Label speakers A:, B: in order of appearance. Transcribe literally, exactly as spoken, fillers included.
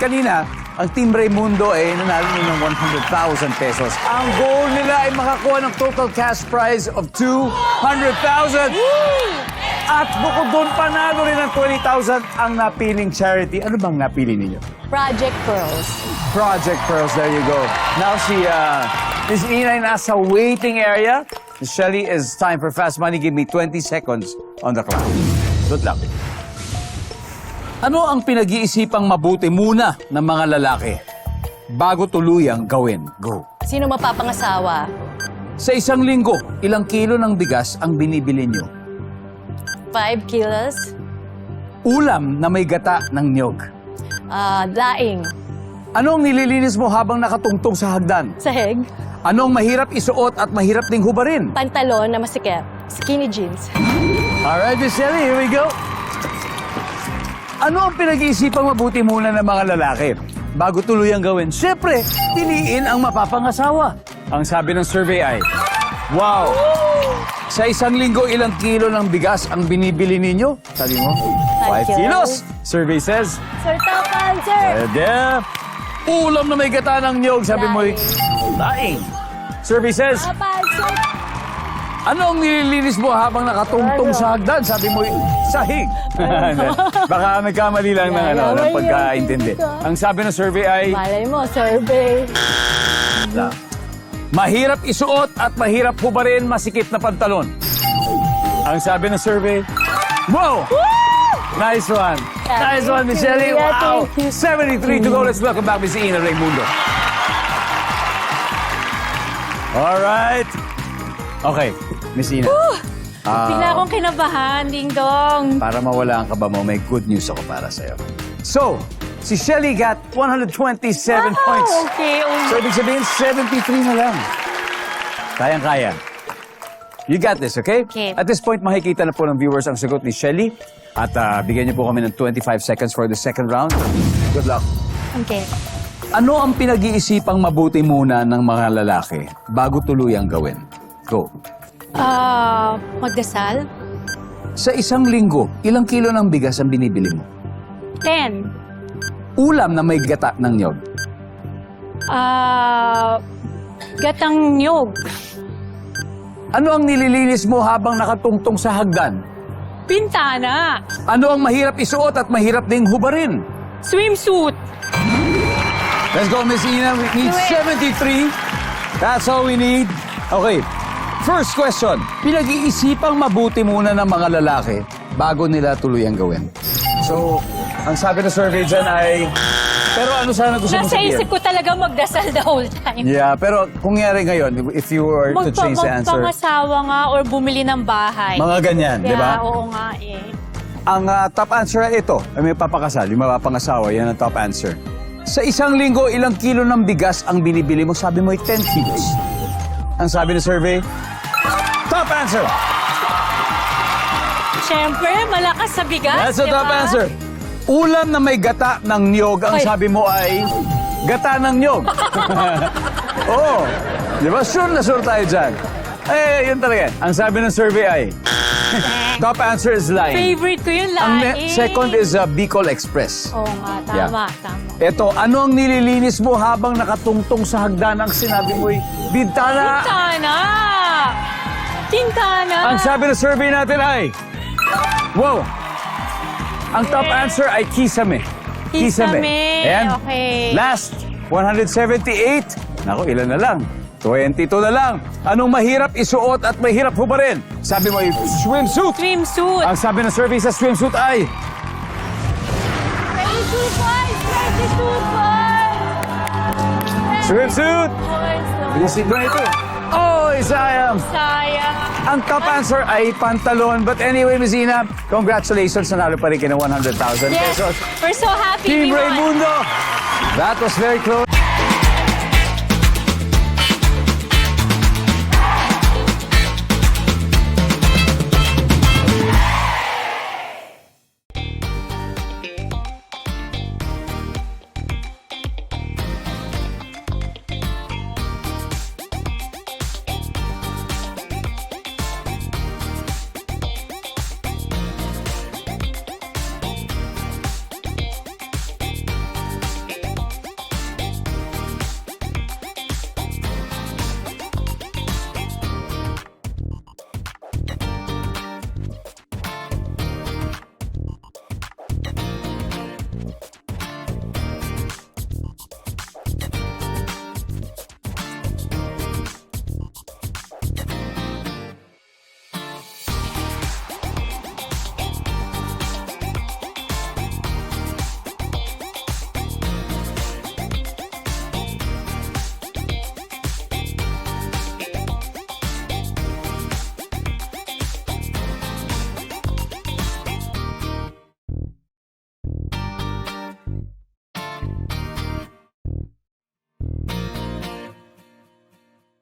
A: kanina, ang Team Raymundo ay nanalo ng one hundred thousand pesos. Ang goal nila ay makakuha ng total cash prize of two hundred thousand. At bukod doon, panalo rin ng twenty thousand ang napiling charity. Ano bang napili ninyo?
B: Project Pearls.
A: Project Pearls, there you go. Now si uh, Miss Ina ay nasa waiting area. Miss Shelly, it's time for Fast Money. Give me twenty seconds on the clock. Good luck. Ano ang pinag-iisipang mabuti muna ng mga lalaki bago tuluyang gawin? Go.
B: Sino mapapangasawa?
A: Sa isang linggo, ilang kilo ng bigas ang binibili nyo?
B: Five kilos.
A: Ulam na may gata ng niyog.
B: Ah, daing.
A: Ano ang nililinis mo habang nakatungtong sa hagdan?
B: Sahig.
A: Ano ang mahirap isuot at mahirap ding hubarin?
B: Pantalon na masikip. Skinny jeans.
A: Alright, Miss Shelly, here we go. Ano ang pinag-iisipang mabuti muna ng mga lalaki bago tuluyang gawin? Siyempre, piliin ang mapapangasawa. Ang sabi ng survey ay, wow! Sa isang linggo, ilang kilo ng bigas ang binibili ninyo? Sabi mo, five kilos. Survey says,
B: Sir, top answer!
A: Pwede. Ulam na may gata ng niyog. Sabi mo, daing. Survey says,
B: Top answer!
A: ano ang nililinis mo habang nakatungtong sa hagdan? Sabi mo, sahig. Baka nagkamali lang ng, ano, ng pagkaintindi. Ang sabi ng survey ay,
B: Malay mo, survey.
A: mahirap isuot at mahirap hubarin masikip na pantalon. Ang sabi ng survey, wow! Nice one. Nice one, Miss Shelly. Wow! seventy-three to go. Let's welcome back Miss Ina Raymundo. All right. Okay, Miss Ina. Ah,
C: Bigla akong kinabahan, Ding Dong.
A: para mawala ang kaba mo, may good news ako para sa'yo. So, si Shelly got one hundred twenty-seven points.
C: Okay, um,
A: So, ibig sabihin, seventy-three na lang. Kayang-kaya. You got this, okay?
C: Okay.
A: At this point, makikita na po ng viewers ang sagot ni Shelly. At ah, bigyan niyo po kami ng twenty-five seconds for the second round. Good luck.
C: okay.
A: Ano ang pinag-iisipang mabuti muna ng mga lalaki bago tuluyang gawin? Go.
C: Ah, magdasal?
A: Sa isang linggo, ilang kilo ng bigas ang binibili mo?
C: Ten.
A: Ulam na may gata ng niyog.
C: Ah, gatang nyog.
A: Ano ang nililinis mo habang nakatungtong sa hagdan?
C: Pintana.
A: Ano ang mahirap isuot at mahirap ding hubarin?
C: Swimsuit.
A: Let's go, Miss Ina. We need
C: Do it.
A: seventy-three. That's all we need. Okay. First question. Pinag-iisipang mabuti muna ng mga lalaki bago nila tuluyang gawin. So, ang sabi ng survey dyan ay... Pero ano sana gusto mong
C: Nasa
A: sabihin?
C: isip ko talaga magdasal the whole time.
A: Yeah, pero kung nangyari ngayon, if you were to
C: Magpa-
A: change the answer,
C: magpangasawa nga or bumili ng bahay.
A: mga ganyan, di ba?
C: Yeah, oo nga eh.
A: Ang ah, top answer ay ito. Ay may papakasal, yung mapapangasawa, yan ang top answer. Sa isang linggo, ilang kilo ng bigas ang binibili mo? Sabi mo ay ten kilos. Ang sabi ng survey, top answer!
C: Siyempre, malakas sa bigas,
A: That's the
C: di
A: top
C: ba?
A: answer. Ulam na may gata ng niyog, ang
C: Ay.
A: sabi mo ay gata ng niyog. Oo. Di ba? Sure na sure tayo dyan. Eh, yun talaga. Ang sabi ng survey ay top answer is lying.
C: Favorite ko yung
A: Ang
C: laing.
A: ne- second is uh, Bicol Express.
C: Oo nga, tama,
A: Yeah.
C: tama.
A: Ito, ano ang nililinis mo habang nakatungtong sa hagdan? Ang sinabi mo'y bintana.
C: Tintana! Tintana!
A: Ang sabi ng survey natin ay, wow! Ang top answer ay kisame.
C: Kisame.
A: And
C: Okay.
A: last, one hundred seventy-eight. Naku, ilan na lang? twenty-two na lang. Anong mahirap isuot at mahirap hubarin? Sabi mo ay swimsuit.
C: Swimsuit.
A: Ang sabi ng survey sa swimsuit ay,
C: twenty-two points! twenty-two points!
A: swimsuit!
C: Points naman.
A: Bilisig ba ito? Oh, sayang!
C: Sayang.
A: Ang top answer ay pantalon. But anyway, Miss Ina, congratulations. Nanalo pa rin kayo ng one hundred thousand
C: Yes,
A: pesos.
C: we're so happy
A: Team
C: we won.
A: Raymundo! That was very close.